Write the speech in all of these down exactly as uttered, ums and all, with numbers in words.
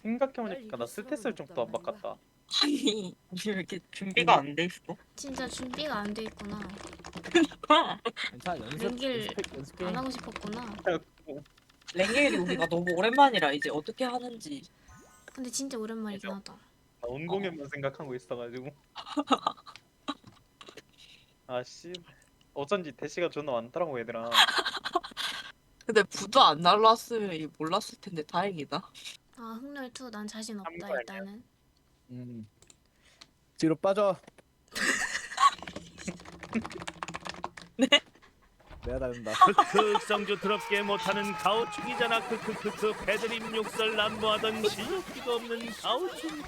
생각해보니까 나 스탯을 좀더 안 바꿨다. 아니 왜 이렇게 준비가 안 돼 있어? 진짜 준비가 안 돼 있구나. 괜찮아 연습 랭길 연습 연습 게임. 안 하고 싶었구나. 랭겔이 우리가 너무 오랜만이라 이제 어떻게 하는지. 근데 진짜 오랜만이긴 하다. 나 온공연만 생각하고 있어가지고. 아씨, 어쩐지 대시가 존나 많더라고 얘들아. 근데 부도 안 날랐으면 몰랐을 텐데 다행이다. 아 흑렬 투 난 자신 없다 거 아니야? 일단은. 음. 뒤로 빠져. 네? 내가 다른다. 크크 성주 더럽게 못하는 가오충이잖아. 크크크크 배드림 욕설 난무하던 실력기가 없는 가오충이다.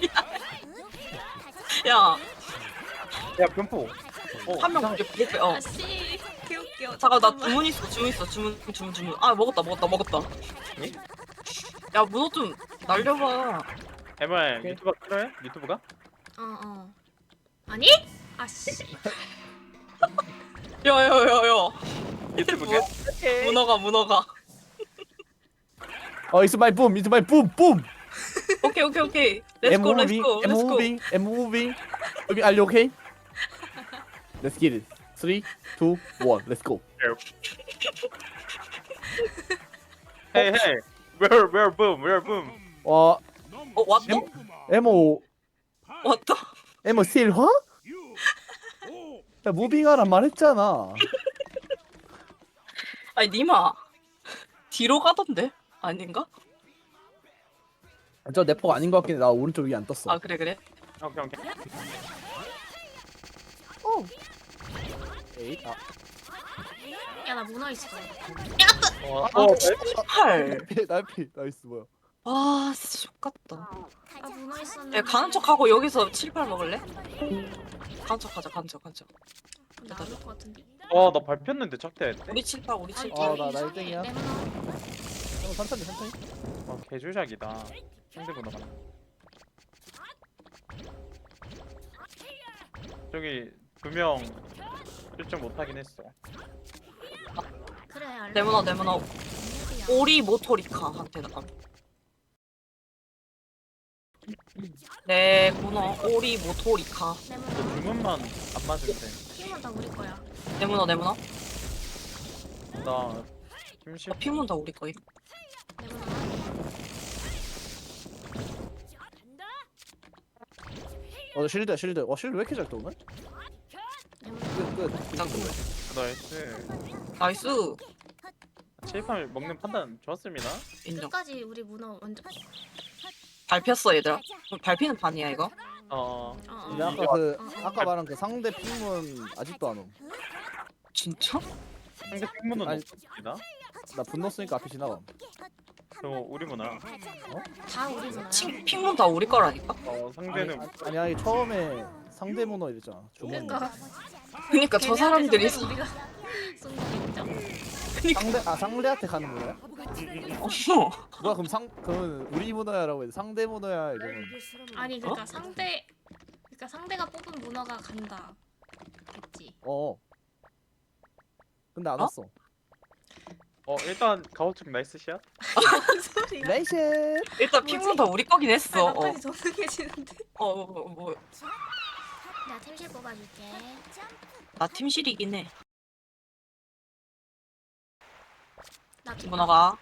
야, 야 변포. 어, 한 명 이제 부대 어. 아씨 개웃겨. 잠깐 나 주문 있어 주문 있어 주문 주문 주문. 아 먹었다 먹었다 먹었다. 예? 야 문어 좀 날려봐. 엠알 오케이. 유튜브 끊어요? 유튜브가? 어 어. 아니? 아씨. 야야야야. 유튜브가? 문어가 문어가. 어 it's my boom, it's my boom, boom. 오케이 오케이 오케이. I'm Let's go let's moving, go I'm let's go. moving, I'm moving. 여기 are you okay? Let's get it. Three, two, one, let's go. Hey hey, where where boom, where boom? 와, 어 왔다 에모, 왔다. 에모 실화? 야 무빙하란 말했잖아. 아니 니마 뒤로 가던데 아닌가? 저 내포가 아닌 것 같긴 해. 나 오른쪽 위에 안 떴어. 아 그래 그래. 오케이 오케이. 에이, 아, 야 나 문어 있어. 어, 아 어, 팔. 피, 나피, 나이스 뭐야? 와 진짜 X같다. 아 문어 있었는데. 야 가는 척하고 여기서 칠, 팔 먹을래? 가는 척하자 가는 척 가는 척. 나올 것 같은데. 와, 나 밟혔는데 착대했대. 우리 칠, 팔 우리 칠, 아니 팔. 어, 나- 나 이상해. 일등이야. 내 문어. 어, 천천히, 천천히. 와, 개조작이다. 상대보다. 저기 두 명 실점 못하긴 했어. 그래 알려. 네모나 네모나 오리 모토리카한테 나가. 네 문어 오리 모토리카. 저 내문어. 주문만 안 맞으면 돼. 힘은 다 우리 거야. 네모나 네모나. 나 김실 어, 피문 다 우리 거임. 내문어. 어, 실드, 실드. 와, 실드 왜 이렇게 잘 떠오네? 내문어. 끝, 끝. 잠깐. 나이스. 나이스. 체이팜 먹는 판단 좋았습니다. 인정. 끝까지 우리 문어 완전. 밟혔어 얘들아. 그럼 밟히는 판이야 이거? 어, 어, 근데 어. 아까 그 어, 어. 아까 말한 그 상대 핑문 아직도 안 옴. 진짜? 상대 핑문은 아니. 없습니다. 나 분노 쓰니까 앞에 지나가. 그리고 우리 문화. 다 우리 문어야. 친 핑문 다 우리 거라니까? 어, 아니, 상대는 아니 아니 처음에 상대 문어 이랬잖아. 주문. 그러니까. 그니까 저 사람들이 걔네한테 우리가 쏜 거겠죠? 상대 아 상대한테 가는 문어야? 어. 뭐야 그럼 상 그러면 우리 문어야라고 해도 상대 문어야 이러면. 아니 그러니까 상대 그러니까 상대가 뽑은 문어가 간다. 겠지. 어. 근데 안 어? 왔어. 어 일단 가오축 나이스 샷. 무슨 소리야? 레이션. 일단 핑문 다 우리 거긴 했어. 아, 어. 나까지 전능해지는데. 어, 어, 뭐, 나 템실 뽑아줄게. 나 팀실이긴 해. 나 두- 문어가.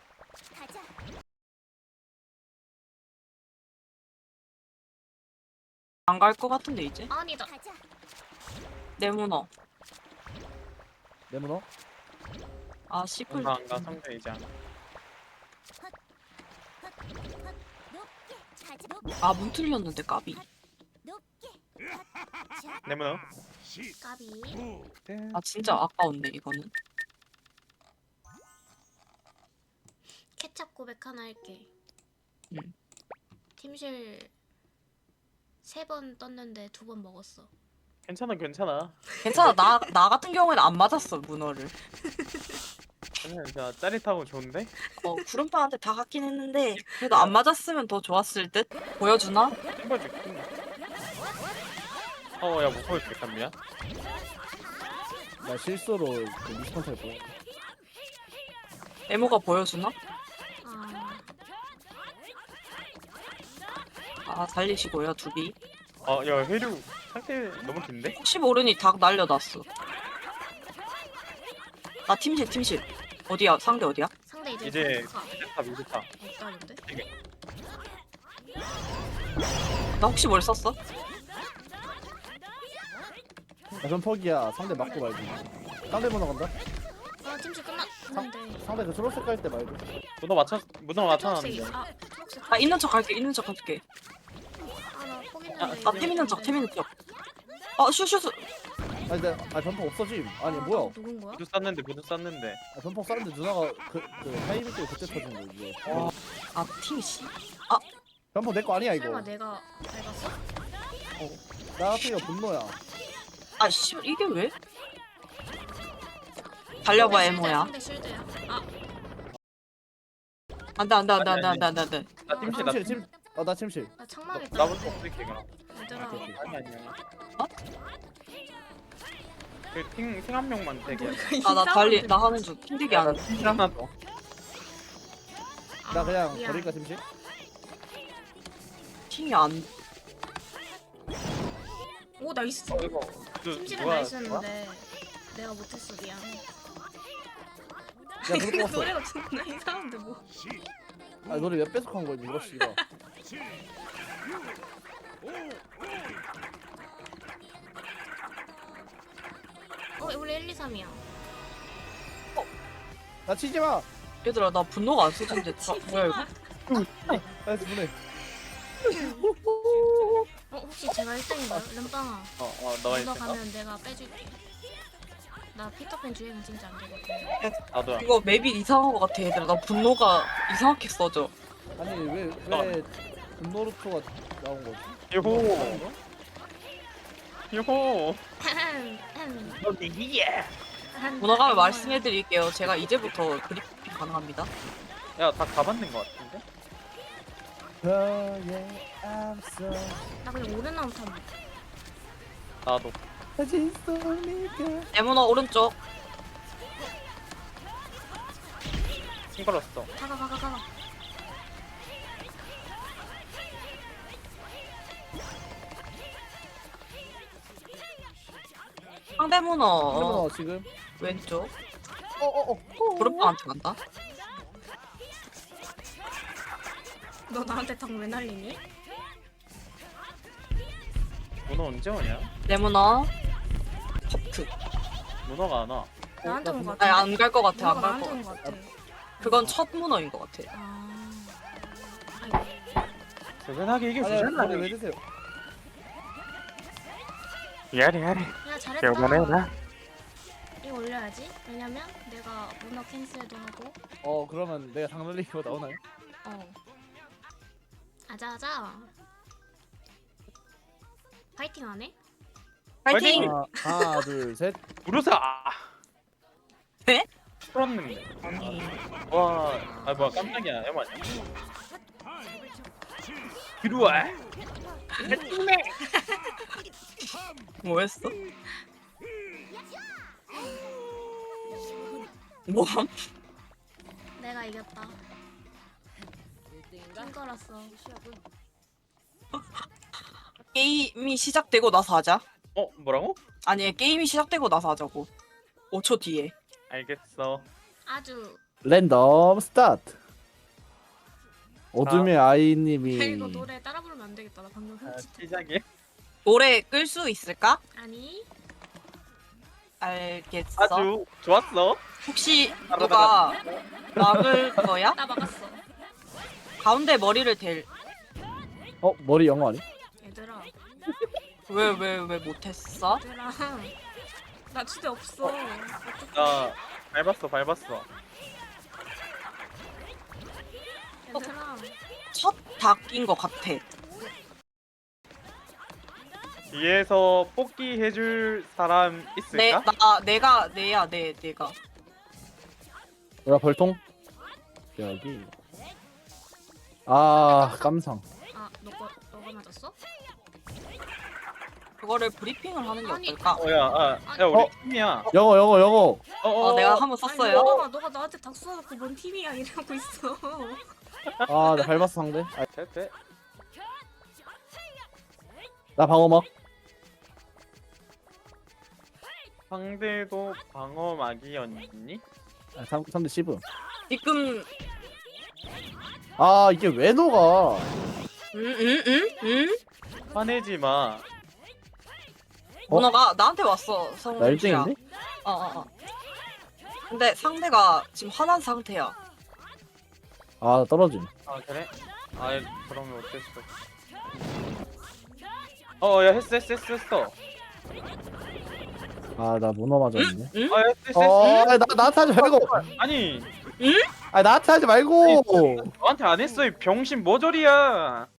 안 갈 것 같은데 이제? 아니다. 내 문어. 내 문어? 아 씨풀. 안가 안가 상대 이제 안. 아문 틀렸는데 까비. 내 문화. 까비. 아 진짜 아까운데 이거는. 케찹 고백 하나 할게. 응. 팀실 세 번 떴는데 두 번 먹었어. 괜찮아 괜찮아. 괜찮아 나 나 같은 경우에는 안 맞았어 문어를. 괜찮아 괜찮아. 짜릿하고 좋은데? 어 구름파한테 다 갔긴 했는데 그래도 안 맞았으면 더 좋았을 듯. 보여주나? 찍어줄게. 어야 못 보여줄게 미안. 나 실수로 그 미스컨트를 보고. 에모가 보여주나? 아 아 살리시고요 두비. 어야 회류 상태 너무 긴데? 혹시 모르니 닭 날려놨어. 나 팀실 팀실. 어디야 상대 어디야? 상대 이제 이제 가 미드탑 미드탑. 없다는데? 나 혹시 뭘 썼어? 야, 그럼 포기야. 상대 맞고 말지. 상대 문어 간다. 아 팀실 끝났는데. 상대 그 초록색 깔 때 말고. 문어 맞춰 문어 맞춰놨는데. 초록색 아 초록색. 아 있는 척 할게 있는 척 할게. 아나 포기했는데. 나 팀 있는 척 팀 있는 척. 아 슈슈스. 아니 근데 아 변폭 없어짐. 아니 뭐야? 누군 거야? 모두 쌌는데 모두 쌌는데. 아, 변폭 쌌는데 누나가 그그 타이밍 때문에 그때 터진 거 이게. 와. 아 팀 씨. 변폭 내 거 아니야 이거. 설마 내가 밟았어? 나 같은 거 분노야. 아 씨 이게 왜? 달려봐 상대 에모야. 상대 실드야. 아 안돼 안돼 안돼 안돼 안돼 안돼 안돼. 나 팀실 나 침실 팀실. 침. 어나 침실. 나 창망했다. 나부터 없을게 그럼. 얘들아. 오케이, 오케이. 아니 아니야. 어? 그팅팅한 명만 되게. 아 나 달리 나 하는 중 힘들게 안. 팀실 하나 더. 나 그냥 아, 미안. 버릴까 침실? 팀이 안. 오 나이스. 어, 이거 그 팀실은 뭐야, 나이스였는데 내가 못했어 미안. 야 그럴 근데 거 같어. 노래가 존나 이상한데 뭐. 아 노래 몇 배속 한 거지 이거 씨가. 어 원래 일, 이, 삼이야. 나 치지 마. 얘들아 나 분노가 안 쏘진데 다 뭐야 이거? 나 보내. 어 혹시 제가 일 등인가요? 름빵아. 어어 너가 너 있어. 가면 내가 빼줄게. 나 피터팬 주행은 진짜 안 되거든. 나도야. 이거 맵이 이상한 거 같아 얘들아. 나 분노가 이상하게 써져. 아니 왜왜 분노루토가 나온 거지? 요호 요호. 문어가면 말씀해드릴게요. 제가 이제부터 브리핑 가능합니다. 야다 가봤는 것 같은데? 너의 앞서 나 그냥 오른 나무 타면. 나도. 사진 속니까. 에모너 오른쪽. 싱글었어. 가가 가가 가가. 상대 문어 그러면 지금 왼쪽. 어어어 브루빵한테 간다. 너 나한테 당 왜 날리니? 문어 언제 오냐? 내 문어. 커트. 문어가 안 와. 나한테 온 거 아니 같아. 안 갈 것 같아. 안 갈 나한테 것 온 같아. 거 같아. 그건 첫 문어인 것 같아. 아. 아이고. 대단하게 이게 아니 부잖아. 아니 왜 드세요? 야래 야래. 야 잘했다. 요번에나. 이거 올려야지. 왜냐면 내가 문어 캔슬도 하고. 어 그러면 내가 장날리고 나오나요? 어. 아자아자. 파이팅 안 해? 파이팅! 아, 하나 둘 셋. 부르사. 네? 풀었는데. 아니 와. 아 뭐야 깜짝이야. 에마. 들어와. 뭐했어? 뭐함? 내가 이겼다. 찡걸었어. 게임이 시작되고 나서 하자. 어 뭐라고? 아니 게임이 시작되고 나서 하자고. 오 초 뒤에. 알겠어. 아주. 랜덤 스타트. 어둠의 아이님이 야, 이거 노래 따라 부르면 안 되겠다. 나 방금 아, 흠칫. 시작이. 노래 끌 수 있을까? 아니. 알겠어. 아주 좋았어. 혹시 누가 막을 거야? 나 막았어. 가운데 머리를 댈. 어 머리 영어 아니? 얘들아. 왜 왜 왜 못했어? 얘들아. 나 주제 없어. 나 밟았어 밟았어. 얘들아. 첫 닭인 것 같아. 뒤에서 뽑기 해줄 사람 내, 있을까? 나, 내가, 내야, 내, 내가. 뭐야 벌통? 여기. 아 깜상. 아, 너가 너가 맞았어? 그거를 브리핑을 하는 게 아니. 어떨까? 어야 아, 야 우리 어? 팀이야. 영어 영어 영어. 어, 어, 내가 한번 아니, 썼어요. 너가 너가 나한테 닭 쏘아놓고 뭔 팀이야 이러고 있어. 아나 밟았어 상대. 아, 됐대. 나 방어막. 상대도 방어막이었니? 아, 삼, 삼대 시브. 지금 아 이게 왜 녹아? 응응응응 화내지 마. 문어가 나한테 왔어 나 성우야. 일 등인데? 어어 어. 근데 상대가 지금 화난 상태야. 아 떨어짐. 아 그래? 아 그러면 어땠어? 어야 했어 했어 했어 했어. 아 나 문어 맞았네. 응? 아 했어 했어 했어. 어, 나 나한테 하지 말고. 아니 아 나한테 하지 말고. 너한테 안 했어 이 병신 모조리야.